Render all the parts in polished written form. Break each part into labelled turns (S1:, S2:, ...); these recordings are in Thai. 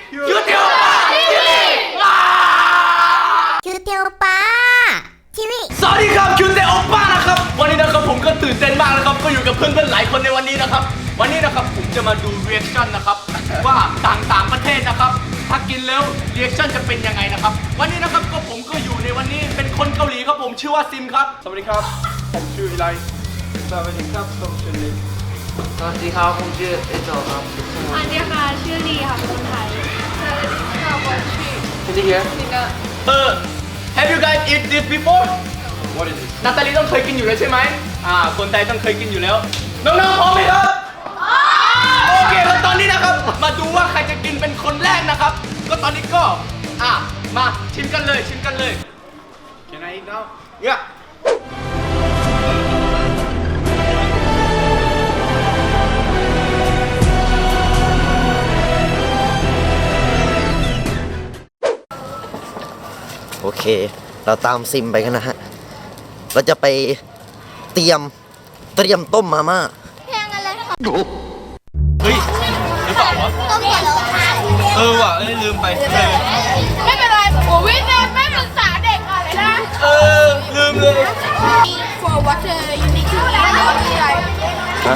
S1: คิวเตียวป้าทีวี
S2: คิวเตียวป้าทีวี
S1: สวัสดีครับคิวเตียวป้านะครับวันนี้นะครับผมก็ตื่นเต้นมากนะครับก็อยู่กับเพื่อนๆหลายคนในวันนี้นะครับวันนี้นะครับผมจะมาดูรีแอคชั่นนะครับว่าต่างประเทศนะครับถ้ากินแล้วรีแอคชั่นจะเป็นยังไงนะครับวันนี้นะครับก็ผมก็อยู่ในวันนี้เป็นคนเกาหลีครับผมชื่อว่าซิมครับ
S3: สวัสดีครับผมชื่ออีไลสวัสดีครับผมชื่อลิ
S4: สวัสดีครับผมชื่อเอโจครับ
S5: อันนี้ค่ะชื่อลีค่ะเป็นคนไทยสวัสดีค่ะผมชื่อ
S4: Can you hear?
S5: นิน่า
S1: Have you guys eat this before
S3: What is it
S1: นาตาลีต้องเคยกินอยู่แล้วใช่ไหมคนไทยต้องเคยกินอยู่แล้วน้องๆพร้อมไหมครับโอเคแล้วตอนนี้นะครับมาดูว่าใครจะกินเป็นคนแรกนะครับก็ตอนนี้ก็มาชิมกันเลยชิมกันเลย
S3: Can I eat now
S1: เนี่ย
S6: โอเคเราตามซิมไปกันนะฮะเราจะไปเตรียมต้มมาม่า
S2: เพลงอะไรคะ
S1: เฮ้ยหรือเปล่าวะ
S2: ต้องเขียนแล้วค่ะ
S1: ว่ะลืมไป
S5: ไม่เป็นไรโอ้วิทย์ไม่ปรึกษาเด็กก่อนเลยนะ
S1: ลืมเลย
S5: For what you need to know like
S6: ฮะ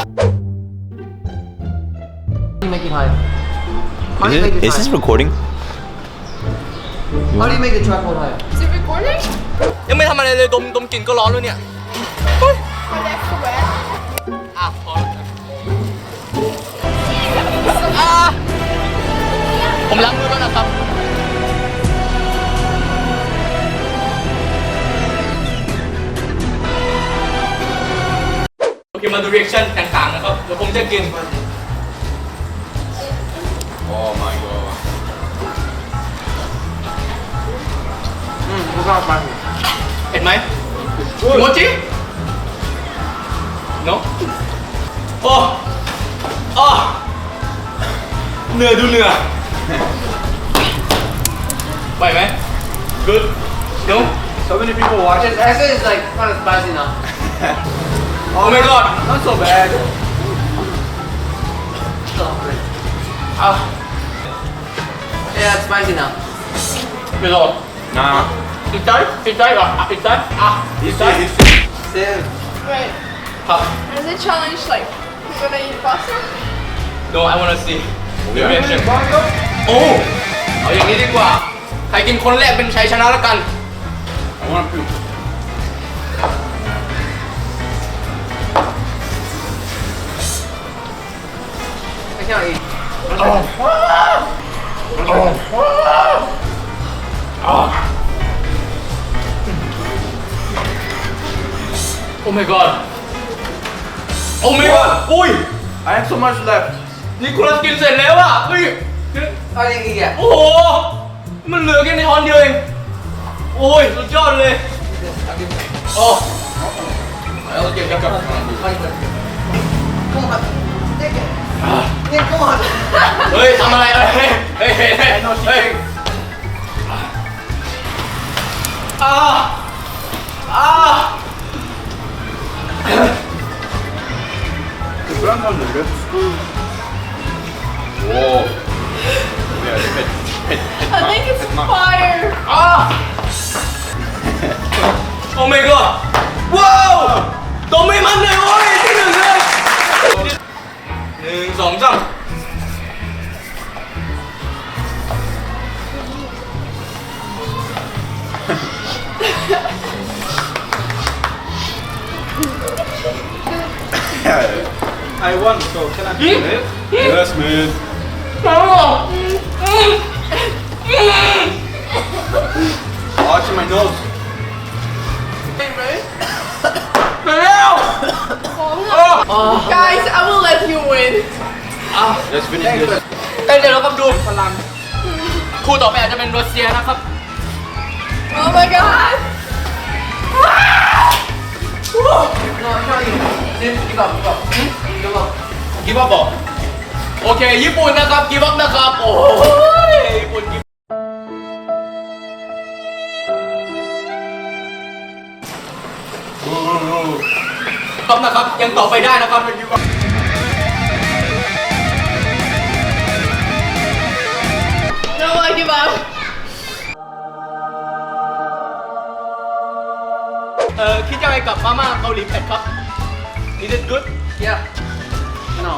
S4: How do you make it high? How do you make it
S7: Is this
S4: high?
S7: recording?
S4: How do you make the tripod high?
S5: Is it recording?
S1: ยังไม่ทำอะไรเลยดมกลิ่นก็ร้อนแล้วเนี่ย
S5: Oh that's correct
S1: พอผมล้างมือแล้วนะครับโอเคมาดูรีแอคชั่นต่างๆนะครับเดี๋ยวผมจะกิน
S3: Oh my god
S4: ไม่ชอบมัน
S1: เห็นไหมคิโมจิเนาะโอ้เหนื่อยดูเหนื่อยไหวไหม good no
S3: So many people watching
S4: Actually it's like kind of spicy now
S1: oh my god
S3: Not so bad
S4: Yeah it's spicy now
S1: ไม่รอด
S3: Nah
S1: อีกใจอีกใจเหรออีกใจอีกใจ
S4: Same
S5: Right
S1: ครับ
S5: Is it challenge like you gonna eat pasta?
S1: no I wanna see the reaction โอ้เอาอย่างนี้ดีกว่าใครกินคนแรกเป็นชัยชนะแล้วกัน
S3: I wanna poop
S4: I can't eat
S1: oh my god oh my god อุ้ย
S3: I have so much left
S1: นี่คุณกินเสร็จแล้วอ่ะเฮ้ย
S4: How do you eat it?
S1: โอ้โหมันเหลือแค่ในช้อนเดียวเองโอ้ยสุดยอดเลยโอ้เอาเก็บกับ
S4: Come on Take it Yeah come on
S1: เฮ้ยทำอะไรเฮ้ยเฮ้ยเฮ้ยเฮ้ยเฮ้ย
S3: Ibland har du rött Wow Det är fett
S5: I think it's fire
S1: โอ้ my god ว้าวตัวไม่มันเลยโอ้ยที่หนึ่งเลย1 2 3
S3: I won so can I do it? Yes man Watch my nose
S1: ไปแล้ว
S5: Guys I will let you win
S3: Let's finish this
S1: เดี๋ยวเราก็ดูพลังคู่ต่อไปอาจจะเป็นรัสเซียนะครับ
S5: Oh my god
S4: No I can't eat Give up give up Give up
S1: กิฟต์บอกโอเคญี่ปุ่นนะครับกิฟต์นะครับโอ้ยญี่ปุ่นกิฟต์นะครับยังต่อไปได้นะครับคิดยังไงกับมาม่าเกาหลีเผ็ดครับ Is it good
S4: Yeah. No.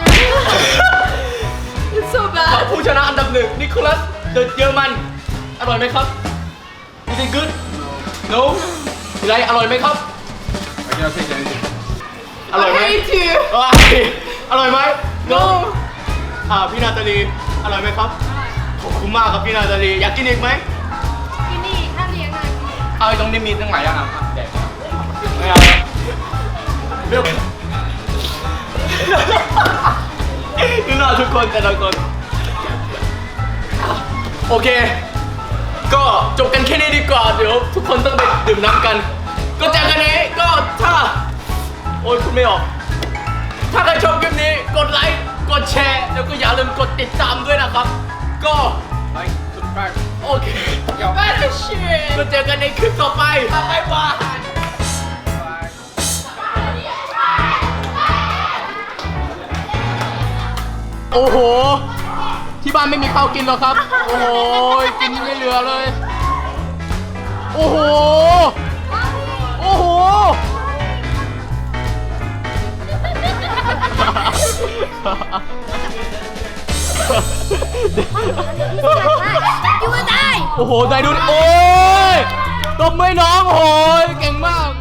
S5: It's so
S1: ครับ
S5: bad.
S1: ผู้ชนะอันดับหนึ่งนิโคลัสเดอะเยอรมันอร่อยไหมครับ Is it good No อะไรอร่อยไหมครับ
S3: I cannot take anything.
S1: อร่อยไหม
S5: I hate you.
S1: ว้ายอร่อยไหม
S5: No.
S1: พี่นาตาลีอร่อยไหมครับขอบคุณมากครับพี่นาตาลีอยากกินอีกไหม
S5: กินอีกถ้าเลี้ยงอะไรกินอีก
S1: เอาตรงนี้มีตั้งหลายอย่างอ่ะแดกไม่เอาเลือกดูหน้าทุกคนแต่ละคนโอเค ก็จบกันแค่นี้ดีกว่าเดี๋ยวทุกคนต้องไปดื่มน้ำกัน ก็จากกันนี้ก็ถ้าโอ้ยคุณไม่ออก ถ้าใครชอบคลิปนี้กดไลค์กดแชร์แล้วก็อย่าลืมกดติดตามด้วยนะครับ ก็
S3: Like, subscribe.
S1: โอเคก็เจอกันในคลิปต่อไปบ๊ายบายโอ้โห ที่บ้านไม่มีข้าวกินหรอครับ โอ้โห กินไม่เหลือเลย โอ้โห โอ้โห
S2: อยู่ได้
S1: โอ้โห ได้ดูดิโอ้ยตบมือน้องโอ้ยเก่งมาก